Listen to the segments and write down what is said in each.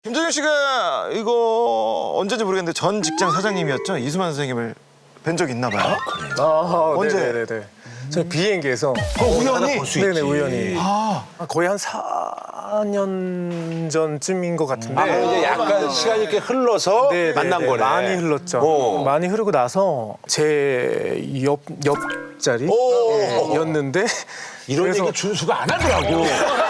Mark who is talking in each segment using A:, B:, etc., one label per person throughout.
A: 김정일 씨가 이거 언제인지 모르겠는데 전 직장 사장님이었죠? 이수만 선생님을 뵌 적 있나 봐요?
B: 아,
A: 언제?
B: 네네네. 저 비행기에서
A: 우연히?
B: 네네 우연히
A: 아,
B: 거의 한 4년 전쯤인 것 같은데
C: 이제 약간 시간이 이렇게 흘러서
B: 네네네.
C: 만난 거네.
B: 많이 흘렀죠.
C: 어.
B: 많이 흐르고 나서 제 옆자리였는데
C: 이런
B: 그래서-
C: 얘기 준수가 안 하더라고.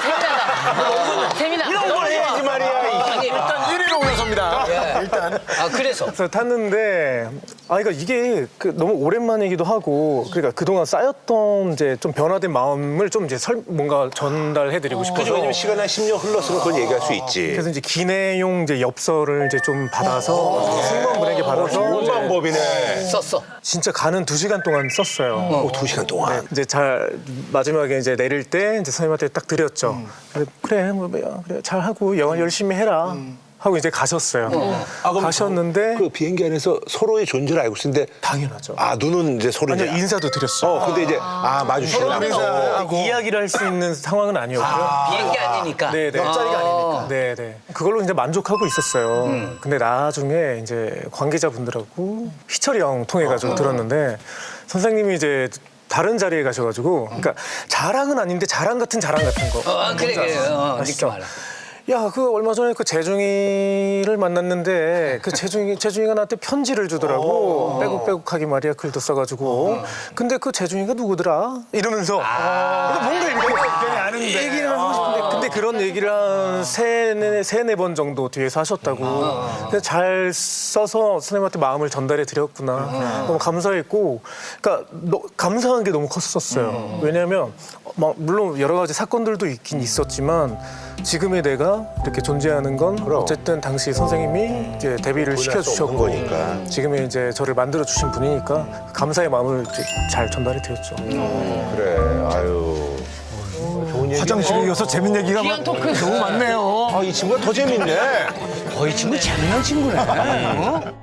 D: 재미나.
C: 이런 걸 해야지 말이야.
A: 일단 1위로 올라섭니다. 일단.
D: 아 그래서
B: 그래서 탔는데 그러니까 이게 너무 오랜만이기도 하고 그러니까 그동안 쌓였던 이제 좀 변화된 마음을 좀 이제 뭔가 전달해드리고 싶어서
C: 그죠? 왜냐면 시간이 한 10년 흘렀으면 그건 얘기할 수 있지.
B: 그래서 이제 기내용 이제 엽서를 이제 좀 받아서 승무원분에게 받아서
C: 좋은
B: 이제
C: 방법이네.
D: 썼어.
B: 진짜 가는 2시간 동안 썼어요.
C: 2시간 동안.
B: 이제 잘 마지막에 이제 내릴 때 이제 선생님한테 딱 드렸죠. 그래 그래 잘 하고 영어 열심히 해라 하고 이제 가셨어요.
C: 그럼
B: 가셨는데
C: 그 비행기 안에서 서로의 존재를 알고 있는데
B: 당연하죠.
C: 눈은 이제 서로
B: 아니요
C: 이제
B: 인사도 드렸어.
C: 근데 이제 마주치려고.
B: 이야기를 할 수 있는 상황은 아니었고요.
D: 비행기 아니니까.
B: 네네.
A: 옆자리가 아니니까.
B: 네네. 그걸로 이제 만족하고 있었어요. 근데 나중에 이제 관계자분들하고 희철이 형 통해가지고 들었는데 선생님이 이제 다른 자리에 가셔가지고 그러니까 자랑은 아닌데 자랑 같은 거.
D: 그래 그래. 느낌
B: 아시죠?
D: 알아.
B: 야, 그 얼마 전에 그 재중이를 만났는데 그 재중이가 나한테 편지를 주더라고. 빼곡빼곡하게 말이야 글도 써가지고. 근데 그 재중이가 누구더라? 이러면서 뭔가 이렇게 얘기를 하고 싶은데 근데 그런 얘기를 한 세네 번 정도 뒤에서 하셨다고. 그래서 잘 써서 선생님한테 마음을 전달해 드렸구나. 너무 감사했고, 그러니까 감사한 게 너무 컸었어요. 왜냐하면 물론 여러 가지 사건들도 있긴 있었지만. 지금의 내가 이렇게 존재하는 건 어쨌든 당시 선생님이 이제 데뷔를 시켜주셨고
C: 거니까.
B: 지금의 이제 저를 만들어 주신 분이니까 감사의 마음을 이제 잘 전달해 드렸죠.
C: 그래. 아유.
A: 화장실에 이어서 재밌는 얘기가
D: 귀한 토크.
A: 너무 많네요.
C: 이 친구가 더 재밌네.
D: 이 친구 재미난 친구네.